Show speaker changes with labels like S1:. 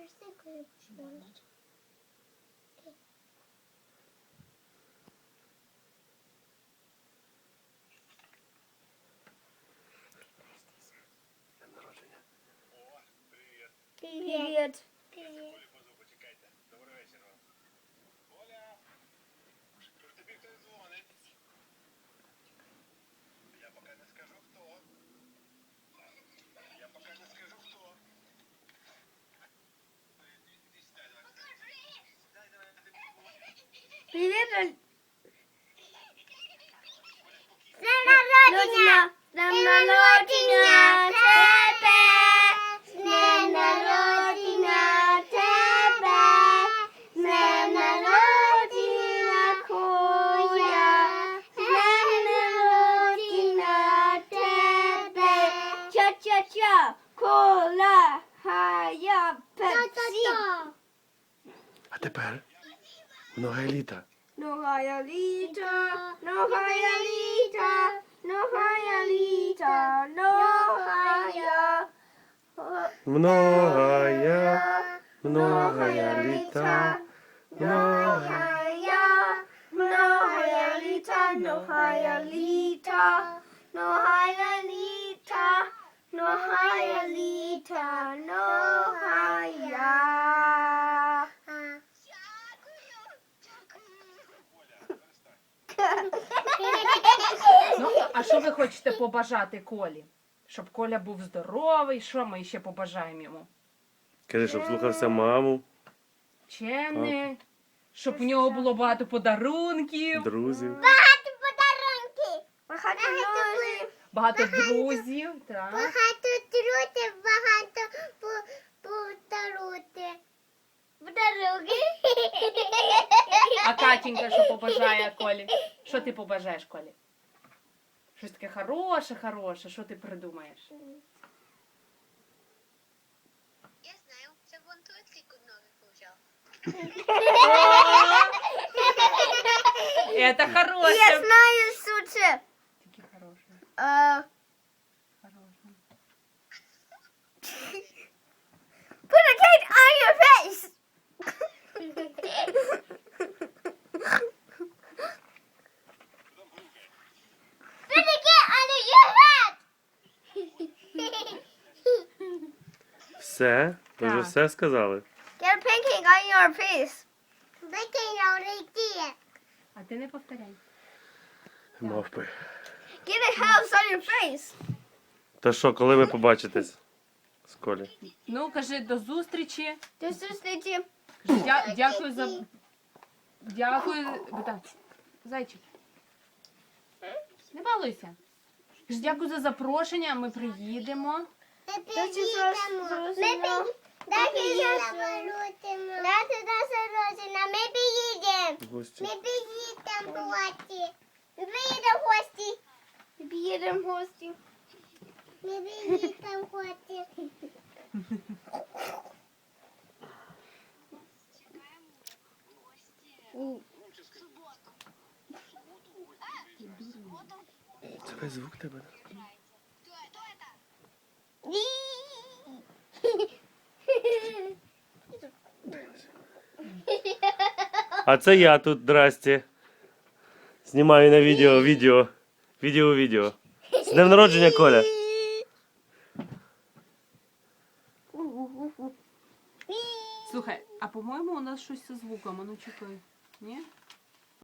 S1: Привіт.
S2: Добрий вечір вам. Оля, тобі хтось дзвонить. Я поки не скажу хто.
S1: Привіт. З днем народження! З днем народження тебе! З днем народження тебе! З днем народження Коля! З днем народження тебе! Ча-ча-ча! Кола! Хая! Пепсі!
S3: А тепер много літа.
S1: Ногая літа, ногая літа, ногая літа, ногая.
S3: Многая літа.
S1: Ногая, многая літа, ногая літа, ногая літа, ногая літа, ногая.
S4: Ну, а що ви хочете побажати Колі? Щоб Коля був здоровий, що ми ще побажаємо йому?
S3: Кажи, щоб слухався маму,
S4: Чемний, щоб у нього було багато подарунків,
S3: друзів.
S1: Багато подарунки. Багато друзів.
S4: багато друзів. Так.
S1: Багато друзів, багато подарунки. Подарунки.
S4: А Катінька що побажає Колі? Що ти побажаєш Колі? Щось таке хороше, що ти придумаєш?
S5: Я знаю, це вон туалетку новий взяв.
S4: Это хороше.
S1: Я знаю суче.
S4: Таке хороше. Хороше.
S1: Put a cake on your face. Put a cake on your head.
S3: Все? Ви вже
S4: Так.
S3: все сказали?
S1: Get a pancake on your face. Pancake already.
S4: А ти не повторяй.
S3: Мовпи.
S1: Get a house on your face.
S3: Та що, коли ви побачитесь з Колі?
S4: Ну, кажи до зустрічі.
S1: До зустрічі.
S4: Дякую за... Дякую... Так, зайчик. Не балуйся. Кажи, дякую за запрошення, ми приїдемо.
S1: Ми приїдемо.
S3: Гості.
S1: Ми приїдемо в гості. Ми приїдемо в гості. Ми приїдемо в гості. Ми приїдемо в гості.
S3: Це весь звук тебе. А це я тут, здрасте. Знімаю на відео. Відео. З днем народження, Коля.
S4: Слухай, а по-моєму у нас щось зі звуком, а ну чекай. Ні?